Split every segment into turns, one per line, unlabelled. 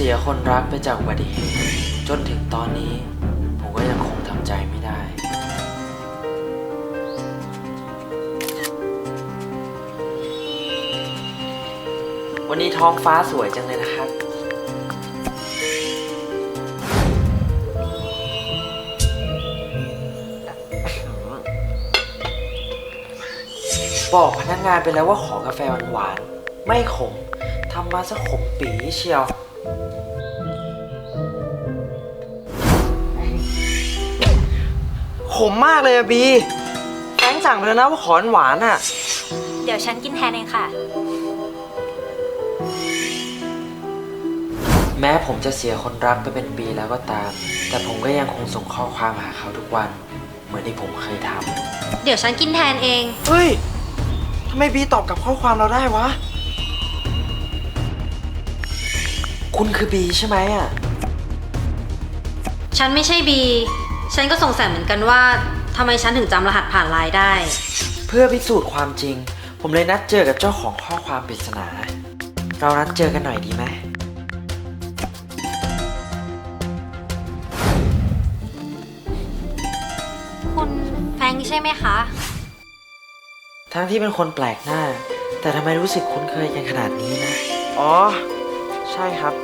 สียคนรักไปจากอุบัติเหตุจนถึงตอนนี้ผมก็ยังคงทำใจไม่ได้ วันนี้ท้องฟ้าสวยจังเลยนะครับบอกพนักงานไปแล้วว่าขอกาแฟหวานๆไม่ขมทำมาซะขมปีเชียวขมมากเลยอะบีแฟรงค์สั่งไปแล้วนะว่าขอหวานอะ
เดี๋ยวฉันกินแทนเองค่ะ
แม้ผมจะเสียคนรักไปเป็นปีแล้วก็ตามแต่ผมก็ยังคงส่งข้อความหาเขาทุกวันเหมือนที่ผมเคยทำ
เดี๋ยวฉันกินแทนเอง
เฮ้ยทำไมบีตอบกับข้อความเราได้วะคุณคือบีใช่ไหมอะ
ฉันไม่ใช่บี ฉันก็สงสัยเหมือนกันว่าทำไมฉันถึงจำรหัสผ่านไลน์ได้
เพื่อพิสูจน์ความจริงผมเลยนัดเจอกับเจ้าของข้อความปริศนาเรานัดเจอกันหน่อยดีไหม
คุณแฟรงค์ใช่ไหมคะ
ทั้งที่เป็นคนแปลกหน้าแต่ทำไมรู้สึกคุ้นเคยกันขนาดนี้นะอ๋อใช่ครับ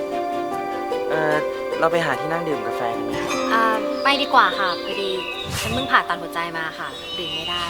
เราไปหาที่นั่งดื่มกาแฟกันไหมครับ
ไปดีกว่าค่ะพอดีฉันเพิ่งผ่าตัดหัวใจมาค่ะดื่มไม่ได้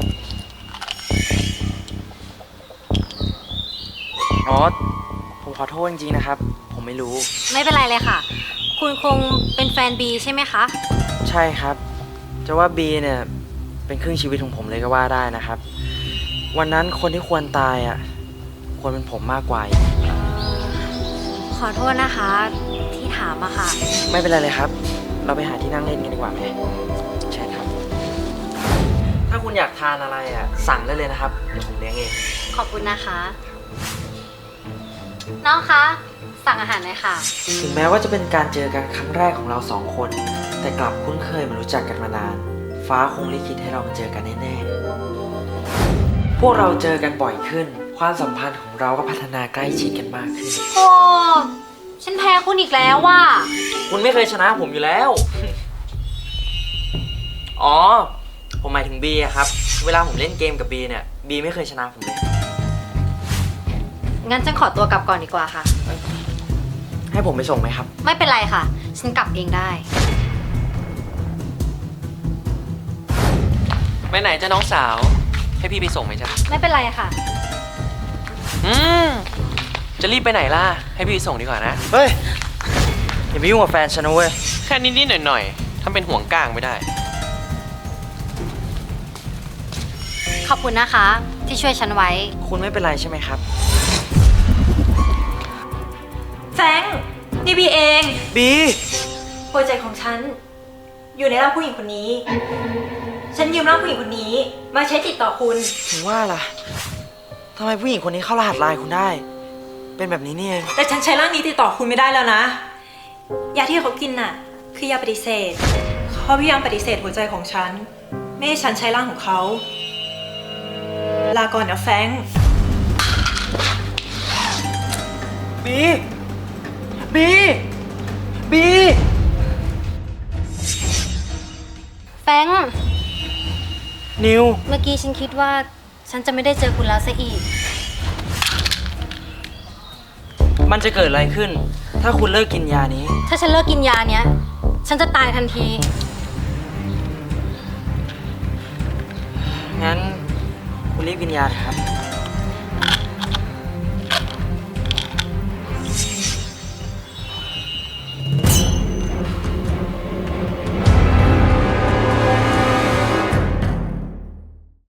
อ๋อผมขอโทษจริงๆนะครับผมไม่รู้
ไม่เป็นไรเลยค่ะ คุณคงเป็นแฟนบีใช่ไหมคะ
ใช่ครับจะว่าบีเนี่ยเป็นครึ่งชีวิตของผมเลยก็ว่าได้นะครับวันนั้นคนที่ควรตายอ่ะควรเป็นผมมากกว่า
ขอโทษนะคะที่ถามอะค่ะ
ไม่เป็นไรเลยครับ เราไปหาที่นั่งเล่นกันดีกว่าไหมใช่ครับ ถ้าคุณอยากทานอะไรอ่ะสั่งได้เลยนะครับเดี๋ยวผมเลี้ยงเอง
ขอบคุณนะคะ น้องคะ สั่งอาหารหน่อยค่ะ
ถึงแม้ว่าจะเป็นการเจอกันครั้งแรกของเราสองคน แต่กลับคุ้นเคยมารู้จักกันมานาน ฟ้าคงลิขิตให้เรามาเจอกันแน่ๆพวกเราเจอกันบ่อยขึ้น ความสัมพันธ์ของเราก็พัฒนาใกล้ชิดกันมากขึ้น
โอ้ฉันแพ้คุณอีกแล้วว่ะ
คุณไม่เคยชนะผมอยู่แล้ว อ๋อ ผมหมายถึงบีอะครับ เวลาผมเล่นเกมกับบีเนี่ย บีไม่เคยชนะผมเลย
งั้นฉันขอตัวกลับก่อนดีกว่าค่ะ
ให้ผมไปส่งไหมครับ
ไม่เป็นไรค่ะ ฉันกลับเองได้
ไปไหนจ้าน้องสาว ให้พี่ไปส่งไหมจ๊ะ
ไม่เป็นไรค่ะ
อืมจะรีบไปไหนล่ะ ให้พี่ไปส่งดีกว่านะ
เฮ้ย อย่าไปยุ่งกับแฟนฉันนะเว้ย
แค่นิดๆหน่อยๆทำเป็นห่วงก้างไม่ได้
ขอบคุณนะคะ ที่ช่วยฉันไว้
คุณไม่เป็นไรใช่ไหมครับ
แฟรงค์นี่บีเอง
บี
หัวใจของฉัน อยู่ในร่างผู้หญิงคนนี้ ฉันยืมร่างผู้หญิงคนนี้ มาใช้ติดต่อคุณ
ถึงว่าล่ะทำไมผู้หญิงคนนี้เข้ารหัสไลน์คุณได้ เป็นแบบนี้นี่เอง
แต่ฉันใช้ร่างนี้ติดต่อคุณไม่ได้แล้วนะ ยาที่เขากินน่ะ คือยาปฏิเสธเขาพยายามปฏิเสธหัวใจของฉัน ไม่ให้ฉันใช้ร่างของเขา ลาก่อนนะแฟรงค์
บี บี บี
แฟรงค์
นิว
เมื่อกี้ฉันคิดว่าฉันจะไม่ได้เจอคุณแล้วซะอีก
มันจะเกิดอะไรขึ้น ถ้าคุณเลิกกินยานี้
ถ้าฉันเลิกกินยาเนี้ย ฉันจะตายทันที
งั้นคุณรีบกินยาเถอะครับ